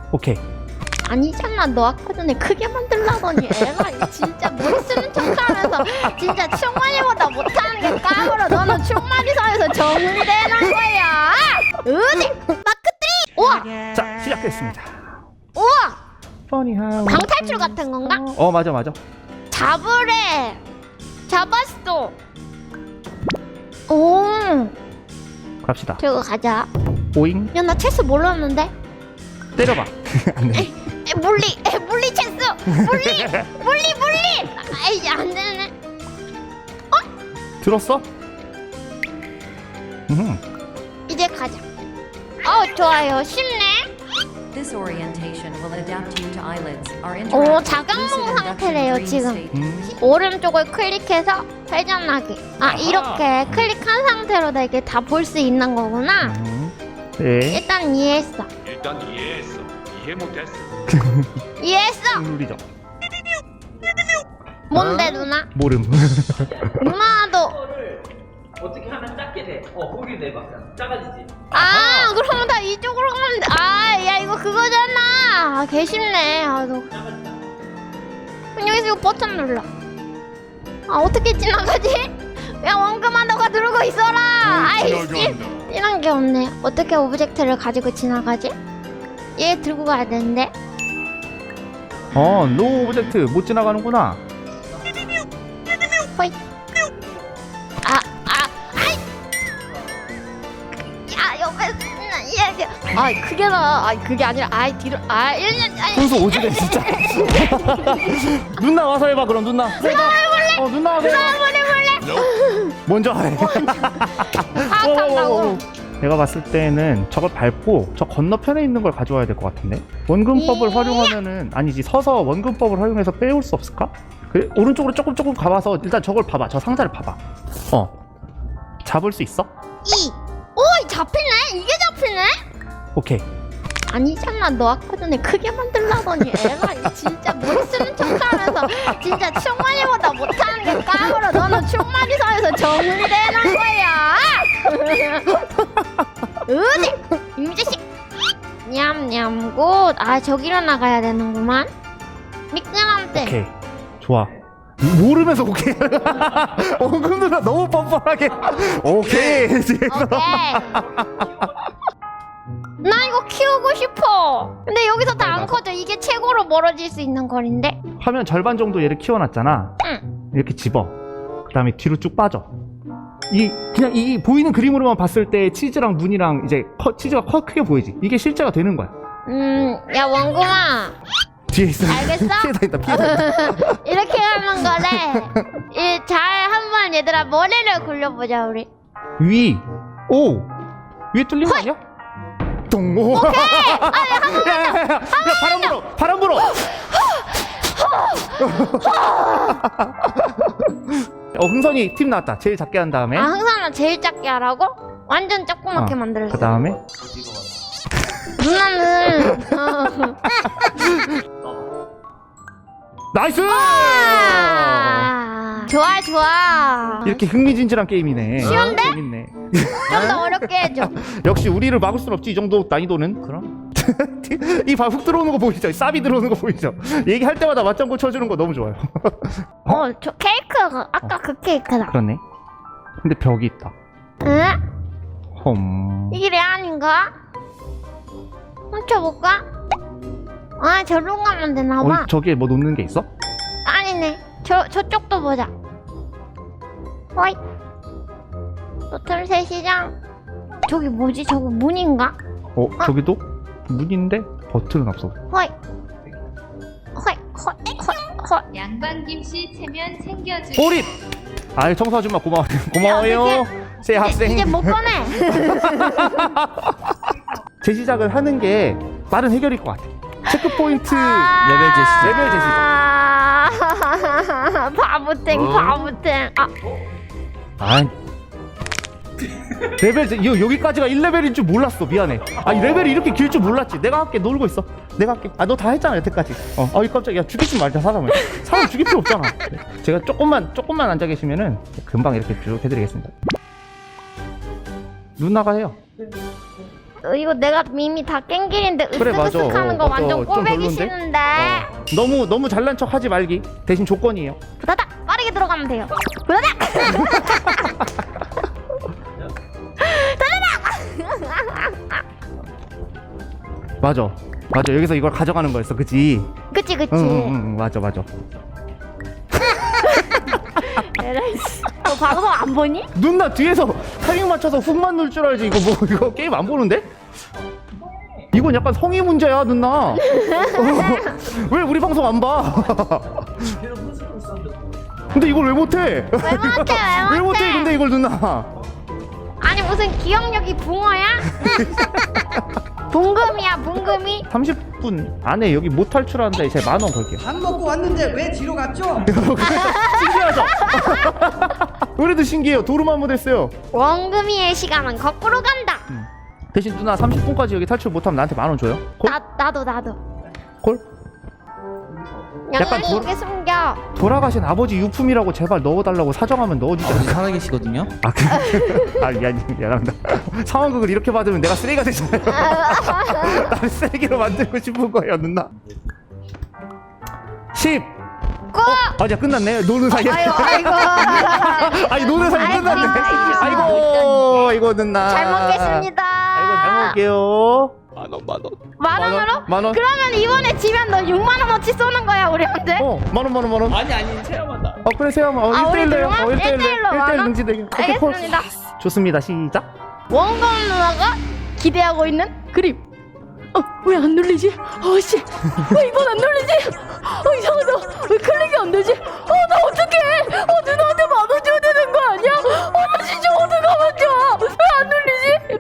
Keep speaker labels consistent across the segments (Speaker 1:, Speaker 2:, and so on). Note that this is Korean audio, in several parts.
Speaker 1: 오케이.
Speaker 2: 아니잖아, 너 아까 전에 크게 만들라더니 애가 진짜 머리 쓰는 척하면서 진짜 충만이보다 못하는 게 까불어. 너는 충만이선에서 정리되는 거야. 어디? 마크 3! 우와!
Speaker 1: 자, 시작했습니다.
Speaker 2: 우와!
Speaker 1: 퍼니하우.
Speaker 2: 방탈출 같은 건가?
Speaker 1: 맞아.
Speaker 2: 잡으래. 잡았어. 오,
Speaker 1: 갑시다.
Speaker 2: 저거 가자.
Speaker 1: 오잉.
Speaker 2: 야, 나 체스 몰랐는데.
Speaker 1: 때려봐. 안 돼.
Speaker 2: 물리 체스. 물리. 아이, 안 되네.
Speaker 1: 들었어?
Speaker 2: 이제 가자. 좋아요. 쉽네.
Speaker 3: This orientation will adapt you to eyelids. Our
Speaker 2: 오,
Speaker 3: interactive
Speaker 2: 자각몽
Speaker 3: lucid induction
Speaker 2: 상태래요,
Speaker 3: dream
Speaker 2: 지금.
Speaker 3: state.
Speaker 2: 오른쪽을 클릭해서 회전하기. 이렇게 클릭한 상태로 다 이렇게 다 볼 수 있는 거구나.
Speaker 1: 네.
Speaker 2: 일단 이해했어.
Speaker 4: 일단 이해했어. 이해 못했어.
Speaker 2: 이해했어.
Speaker 1: 눌리죠.
Speaker 2: 뭔데, 누나?
Speaker 1: 모름.
Speaker 2: 누나도.
Speaker 5: 어떻게 하면 작게 돼? 거기를 내봐. 작아지지.
Speaker 2: 그러면 다 이쪽으로 가면 돼. 야, 이거 그거잖아. 개 쉽네. 너. 그럼 여기서 이거 버튼 눌러. 어떻게 지나가지? 야, 원금아, 너가 누르고 있어라. 아이씨. 이런 게 없네. 어떻게 오브젝트를 가지고 지나가지? 얘 들고 가야 되는데.
Speaker 1: 노 오브젝트 못 지나가는구나.
Speaker 2: 호이. 야, 옆에 얘. 그게 나. 그게 아니라. 뒤로. 1년.
Speaker 1: 순서 오지네 진짜. 누나 와서 해봐. 그럼 누나. 해볼래? 누나 와서 해봐.
Speaker 2: 몰래.
Speaker 1: 먼저 해.
Speaker 2: 파악한다고.
Speaker 1: 내가 봤을 때는 저걸 밟고 저 건너편에 있는 걸 가져와야 될 것 같은데. 원근법을 활용하면은 아니지, 서서 원근법을 활용해서 빼올 수 없을까? 그래? 오른쪽으로 조금 가봐서 일단 저걸 봐봐. 저 상자를 봐봐. 잡을 수 있어?
Speaker 2: 잡히네. 이게 잡히네.
Speaker 1: 오케이.
Speaker 2: 아니잖아, 너 아까 전에 크게 만들라더니 애가 진짜 머리 쓰는 척하면서 진짜 충만이보다 못하는 게 까불어. 너는 충만이선에서 정리되는 거야. 어디? 이 자식. 냠냠굿. 저기로 나가야 되는구만. 미끄럼대.
Speaker 1: 오케이. 좋아. 모르면서 오케이. 원근 누나 너무 뻔뻔하게. 오케이.
Speaker 2: 오케이. 나 이거 키우고 싶어. 근데 여기서 다 안 커져. 이게 최고로 멀어질 수 있는 거리인데.
Speaker 1: 화면 절반 정도 얘를 키워놨잖아.
Speaker 2: 응.
Speaker 1: 이렇게 집어. 그 다음에 뒤로 쭉 빠져. 그냥 이 보이는 그림으로만 봤을 때 치즈랑 문이랑 이제 치즈가 크게 보이지. 이게 실제가 되는 거야.
Speaker 2: 야, 원구마.
Speaker 1: 뒤에 있어.
Speaker 2: 알겠어?
Speaker 1: 피해 다닌다.
Speaker 2: 이렇게 하는 거래. 잘 한번 얘들아 머리를 굴려보자 우리.
Speaker 1: 위에 뚫린 거 아니야? 동오. 오케이. 야, 바람 불어. 흥선이 팀 나왔다. 제일 작게 한 다음에.
Speaker 2: 흥선아 제일 작게 하라고? 완전 조그맣게 만들었어.
Speaker 1: 그 다음에
Speaker 2: 누나는
Speaker 1: 나이스.
Speaker 2: 좋아.
Speaker 1: 이렇게 흥미진진한 게임이네.
Speaker 2: 쉬운데?
Speaker 1: 재밌네.
Speaker 2: 좀 더 어렵게 해줘.
Speaker 1: 역시 우리를 막을 순 없지. 이 정도 난이도는. 그럼 이 훅 들어오는 거 보이죠? 쌉이 들어오는 거 보이죠? 얘기할 때마다 맞장구 쳐주는 거 너무 좋아요.
Speaker 2: 저 케이크가 아까 그 케이크다.
Speaker 1: 그렇네. 근데 벽이 있다.
Speaker 2: 응? 이게 레 아닌가? 훔쳐볼까? 저로 가면 되나봐.
Speaker 1: 저기에 뭐 놓는 게 있어?
Speaker 2: 아니네. 저쪽도 보자. 호이. 노틀새 시장. 저기 뭐지? 저거 문인가?
Speaker 1: 저기도 문인데 버튼은 없어.
Speaker 2: 호이.
Speaker 6: 양반김씨 체면 챙겨주.
Speaker 1: 보릿! 청소 아줌마 고마워요. 새 학생.
Speaker 2: 이제 못 꺼내.
Speaker 1: 재시작을 하는 게 빠른 해결일 것 같아. 체크포인트
Speaker 5: 레벨 제시작.
Speaker 1: 레벨 제시작.
Speaker 2: 바보탱.
Speaker 1: 여기까지가 1레벨인 줄 몰랐어. 미안해. 이 레벨이 이렇게 길 줄 몰랐지. 내가 할게. 놀고 있어. 내가 할게. 너 다 했잖아 여태까지. 이 깜짝이야. 죽이지 말자. 사람 죽일 필요 없잖아. 제가 조금만 앉아 계시면은 금방 이렇게 쭉 해드리겠습니다. 누나가 해요.
Speaker 2: 이거 내가 이미 다 깬 길인데
Speaker 1: 그래, 맞아.
Speaker 2: 으쓱으쓱하는 거
Speaker 1: 맞아.
Speaker 2: 완전
Speaker 1: 좀
Speaker 2: 꼴배기
Speaker 1: 별론데?
Speaker 2: 싫은데.
Speaker 1: 너무 잘난 척 하지 말기. 대신 조건이에요.
Speaker 2: 부다닥 빠르게 들어가면 돼요. 부다닥.
Speaker 1: 맞아. 여기서 이걸 가져가는 거였어, 그치?
Speaker 2: 그치.
Speaker 1: 응, 맞아.
Speaker 2: 에라이씨. 너 방송 안 보니?
Speaker 1: 누나 뒤에서 타이밍 맞춰서 훅만 넣을 줄 알지. 이거 게임 안 보는데? 이건 약간 성의 문제야, 누나. 왜 우리 방송 안 봐? 근데 이걸 왜 못해? 왜 못해? 근데 이걸 누나.
Speaker 2: 아니 무슨 기억력이 붕어야? 붕금이야 붕금이?
Speaker 1: 30분 안에 여기 못 탈출하는데 이제 10,000원 걸게요.
Speaker 5: 밥 먹고 왔는데 왜 뒤로 갔죠?
Speaker 1: 신기하죠? 그래도 신기해요. 도루마무 됐어요.
Speaker 2: 원금이의 시간은 거꾸로 간다.
Speaker 1: 대신 누나 30분까지 여기 탈출 못하면 나한테 10,000원 줘요. 콜?
Speaker 2: 나도
Speaker 1: 콜? 약간
Speaker 2: 양양이 이게 숨겨.
Speaker 1: 돌아가신 아버지 유품이라고 제발 넣어달라고 사정하면 넣어주지 않을까?
Speaker 5: 살아계시거든요.
Speaker 1: 미안합니다. 상황극을 이렇게 받으면 내가 쓰레기가 되잖아요. 나를 쓰레기로 만들고 싶은 거예요, 누나. 10.
Speaker 2: 고!
Speaker 1: 아직 끝났네. 노는 사이에.
Speaker 2: 아이고.
Speaker 1: 아니 노는 사이에
Speaker 2: 아이고,
Speaker 1: 끝났네.
Speaker 2: 아이고.
Speaker 1: 이거 누나.
Speaker 2: 잘 먹겠습니다.
Speaker 1: 아이고 잘 먹을게요.
Speaker 2: 10,000원으로?
Speaker 1: 10,000원?
Speaker 2: 그러면 이번에 지면 너 60,000원어치 쏘는 거야 우리한테?
Speaker 1: 10,000원.
Speaker 5: 아니 체험한다.
Speaker 1: 그래 세요.
Speaker 2: 우리
Speaker 1: 1대1로요.
Speaker 2: 둘만?
Speaker 1: 1대1로
Speaker 2: 1대1로
Speaker 1: 능지 대결. 오케이, 콜.
Speaker 2: 알겠습니다.
Speaker 1: 좋습니다. 시작.
Speaker 2: 원금 누나가 기대하고 있는 그림. 왜 안 눌리지? 씨. 왜 이건 안 눌리지? 이상하다. 왜 클릭이 안 되지? 나 어떡해? 누나한테 10,000원 줘야 되는 거 아니야? 나 진짜 어떡하면 좋아? 왜 안 눌리지?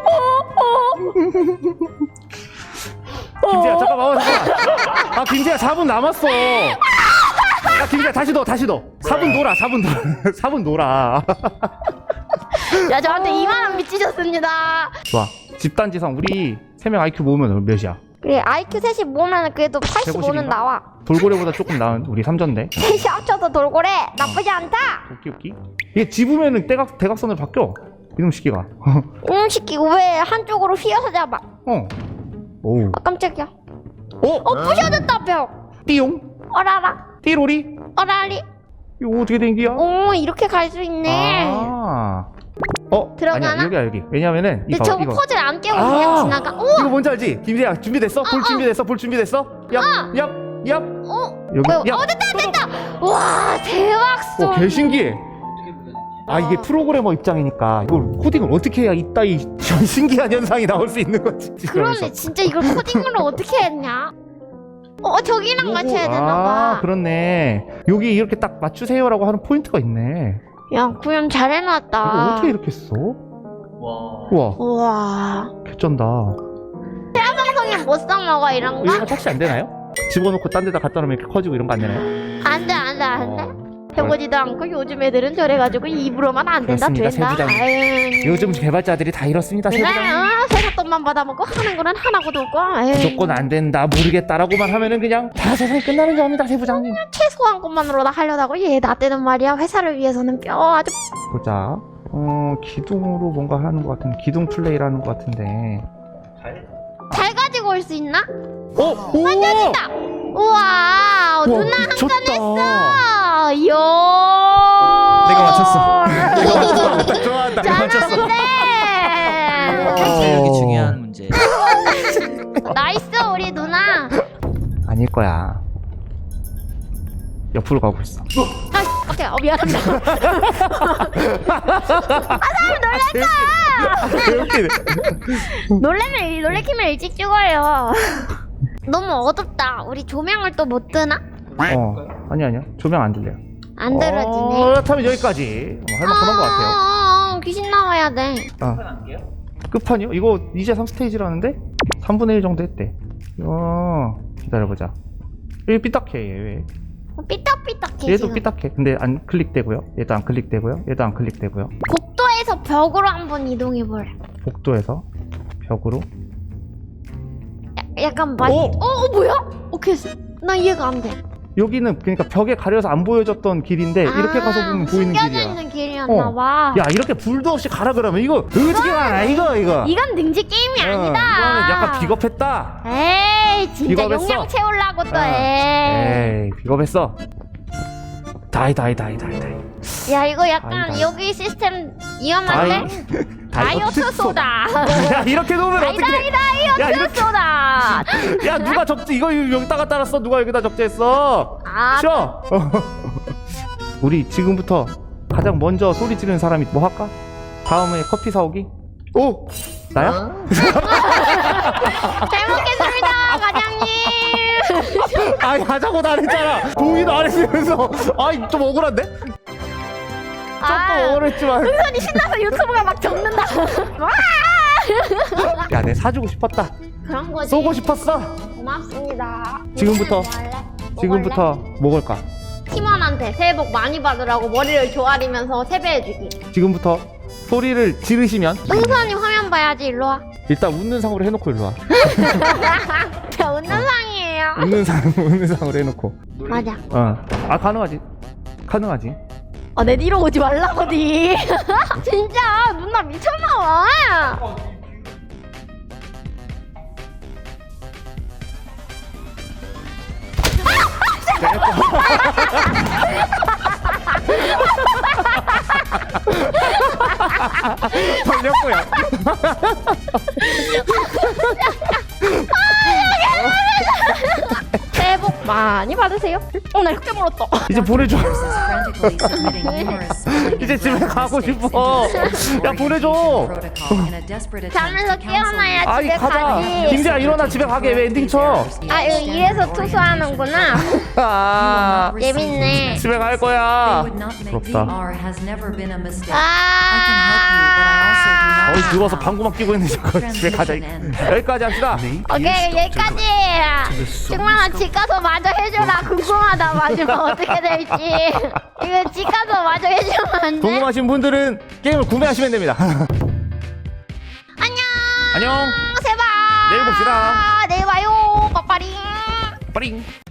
Speaker 1: 김재야 잠깐만. 김재야 4분 남았어. 김재야 다시 넣어. 4분 놀아. 4분 놀아.
Speaker 2: 야 저한테 20,000원 미치셨습니다.
Speaker 1: 좋아. 집단지성 우리 3명 IQ 모으면 몇이야?
Speaker 2: 그래 IQ 셋이 모으면 그래도 85는
Speaker 1: 150인가?
Speaker 2: 나와.
Speaker 1: 돌고래보다 조금 나은 우리 3전대.
Speaker 2: 셋이 합쳐서 돌고래 나쁘지 않다.
Speaker 1: 오키. 이게 집으면은 대각선으로 바뀌어. 이놈 시기가.
Speaker 2: 시키고 왜 한쪽으로 휘어서 잡아?
Speaker 1: 오.
Speaker 2: 깜짝이야. 부셔졌다 벽.
Speaker 1: 띠용.
Speaker 2: 어라라.
Speaker 1: 띠로리.
Speaker 2: 어라리.
Speaker 1: 이거 어떻게 된 기야?
Speaker 2: 이렇게 갈 수 있네. 들어가나?
Speaker 1: 아니야 여기야. 왜냐면은
Speaker 2: 근데 저거
Speaker 1: 이거.
Speaker 2: 퍼즐 안 깨고 그냥 지나가.
Speaker 1: 이거 뭔지 알지? 김재야 준비됐어? 볼 준비됐어? 얍. 여기.
Speaker 2: 됐다. 와 대박 소.
Speaker 1: 개 신기해. 이게 프로그래머 입장이니까 이걸 코딩을 어떻게 해야 이따위 신기한 현상이 나올 수 있는 거지.
Speaker 2: 그러네 진짜 이걸 코딩으로 어떻게 했냐? 저기랑 같이 해야 되나봐.
Speaker 1: 그렇네. 여기 이렇게 딱 맞추세요라고 하는 포인트가 있네.
Speaker 2: 야 구현 잘 해놨다.
Speaker 1: 이거 어떻게 이렇게 했어? 우와
Speaker 2: 우와.
Speaker 1: 개쩐다.
Speaker 2: 방송에 못 써먹어 이런 거?
Speaker 1: 이거 착시 안 되나요? 집어넣고 딴 데다 갖다 놓으면 이렇게 커지고 이런 거 안 되나요?
Speaker 2: 안돼. 해보지도 않고 요즘 애들은 저래가지고 입으로만 안 된다
Speaker 1: 그렇습니다,
Speaker 2: 된다.
Speaker 1: 세부장.
Speaker 2: 아유.
Speaker 1: 요즘 개발자들이 다 이렇습니다.
Speaker 2: 그래
Speaker 1: 세부장님.
Speaker 2: 세뱃돈만 받아먹고 하는 거는 하나고도 없고. 아유.
Speaker 1: 무조건 안 된다 모르겠다라고만 하면은 그냥 다 세상이 끝나는 줄 압니다. 세부장님.
Speaker 2: 최소한 것만으로 다 하려다고 얘 나 때는 말이야 회사를 위해서는 뼈 아주.
Speaker 1: 보자. 기둥으로 뭔가 하는 것 같은 기둥 플레이를 하는 것 같은데.
Speaker 2: 잘 가지고 올 수 있나?
Speaker 1: 오!
Speaker 2: 만져진다. 우와 누나 한 건 했어. 이야.
Speaker 1: 내가 맞췄어. 좋아한다.
Speaker 2: 잘하는데.
Speaker 5: 체력이 중요한 문제.
Speaker 2: 나이스 우리 누나.
Speaker 1: 아닐 거야. 옆으로 가고 있어.
Speaker 2: 오케이 미안합니다. 놀래키면 일찍 죽어요. 너무 어둡다. 우리 조명을 또 못 뜨나?
Speaker 1: 아니야. 조명 안 들려요.
Speaker 2: 안 들어지네.
Speaker 1: 그렇다면 여기까지. 할 만큼한 것 같아요.
Speaker 2: 귀신 나와야 돼.
Speaker 1: 끝판이요? 이거 이제 3스테이지라는데? 3분의 1 정도 했대. 기다려보자. 여기 삐딱해 얘 왜?
Speaker 2: 삐딱삐딱해.
Speaker 1: 얘도
Speaker 2: 지금.
Speaker 1: 삐딱해. 근데 안 클릭되고요. 얘도 안 클릭되고요. 얘도 안 클릭되고요.
Speaker 2: 복도에서 벽으로 한번 이동해볼래.
Speaker 1: 복도에서 벽으로.
Speaker 2: 약간 많이. 뭐야? 오케이. 나 이해가 안 돼.
Speaker 1: 여기는 그러니까 벽에 가려서 안 보여졌던 길인데 이렇게 가서 보면 보이는
Speaker 2: 숨겨져
Speaker 1: 길이야.
Speaker 2: 있는 길이었나봐.
Speaker 1: 야 이렇게 불도 없이 가라 그러면 이거 어떻게 가나 이거.
Speaker 2: 이건 능지 게임이 아니다.
Speaker 1: 이거는 약간 비겁했다.
Speaker 2: 에이 진짜
Speaker 1: 비겁했어.
Speaker 2: 용량 채우려고 또
Speaker 1: 어.
Speaker 2: 해.
Speaker 1: 에이 비겁했어. 다이.
Speaker 2: 야 이거 약간
Speaker 1: 다이.
Speaker 2: 여기 시스템 위험한데? 다이어트 소다.
Speaker 1: 야 이렇게 놓으면 어떡해. 야,
Speaker 2: 다이어트
Speaker 1: 이렇게-
Speaker 2: 소다.
Speaker 1: 야 누가 적재 이거 여기다가 따랐어. 누가 여기다 적재했어.
Speaker 2: 아,
Speaker 1: 싫어. 우리 지금부터 가장 먼저 소리 지르는 사람이 뭐 할까? 다음에 커피 사오기? 오! 나야?
Speaker 2: 잘 먹겠습니다, 과장님.
Speaker 1: 아니 하자고 나 안 했잖아. 동의도 안 했으면서. 아이 좀 억울한데? 조금 억울했지만.
Speaker 2: 은선이 신나서 유튜브가 막 적는다.
Speaker 1: 야 내 사주고 싶었다.
Speaker 2: 그런 거지.
Speaker 1: 쏘고 싶었어.
Speaker 2: 고맙습니다.
Speaker 1: 지금부터.
Speaker 2: 뭐 할래? 뭐
Speaker 1: 지금부터
Speaker 2: 할래?
Speaker 1: 먹을까?
Speaker 2: 팀원한테 새해 복 많이 받으라고 머리를 조아리면서 세배해주기.
Speaker 1: 지금부터 소리를 지르시면
Speaker 2: 은선이 화면 봐야지. 일로 와.
Speaker 1: 일단 웃는 상으로 해놓고 일로 와.
Speaker 2: 저 웃는 상이에요.
Speaker 1: 웃는 상으로 해놓고.
Speaker 2: 맞아.
Speaker 1: 아 가능하지.
Speaker 2: 내 뒤로 오지 말라거디. 진짜 누나 미쳤나봐.
Speaker 1: 걸렸고요.
Speaker 2: 새해 복 많이 받으세요. 나 이렇게 멀었다.
Speaker 1: 이제 보내줘.
Speaker 3: frantically submitting numerous supporting
Speaker 1: 이제 집에
Speaker 3: and
Speaker 1: 가고
Speaker 3: mistakes
Speaker 1: 싶어.
Speaker 3: into this
Speaker 1: 야, 보내줘.
Speaker 3: protocol in a desperate attempt
Speaker 2: 잠에서
Speaker 3: to cancel
Speaker 2: 깨어나야
Speaker 1: 아니
Speaker 2: 집에
Speaker 1: 가자.
Speaker 2: 가지.
Speaker 1: 김재야 일어나 집에 가게 왜 엔딩 쳐?
Speaker 2: 아 이거 이래서 투수하는구나.
Speaker 1: 아
Speaker 2: 재밌네.
Speaker 1: 집에 갈
Speaker 3: They
Speaker 1: 거야.
Speaker 3: would not make
Speaker 1: 부럽다.
Speaker 3: VR has never been a mistake.
Speaker 2: 아.
Speaker 3: I can help you, but I also do not
Speaker 1: 어이
Speaker 3: know
Speaker 1: 누워서
Speaker 3: how.
Speaker 1: 방구막 끼고 있는 저거 집에 가자. 여기까지 합시다.
Speaker 2: 오케이 여기까지. 승만아 집 가서 마저 해줘라. 궁금하다 마지막 어떻게 될지. 이거 집 가서 마저 해주면 안 돼?
Speaker 1: 궁금하신 분들은 게임을 구매하시면 됩니다.
Speaker 2: 안녕.
Speaker 1: 안녕.
Speaker 2: 새해 봐.
Speaker 1: 내일 봅시다.
Speaker 2: 내일 봐요. 빠빠링.
Speaker 1: 빠링.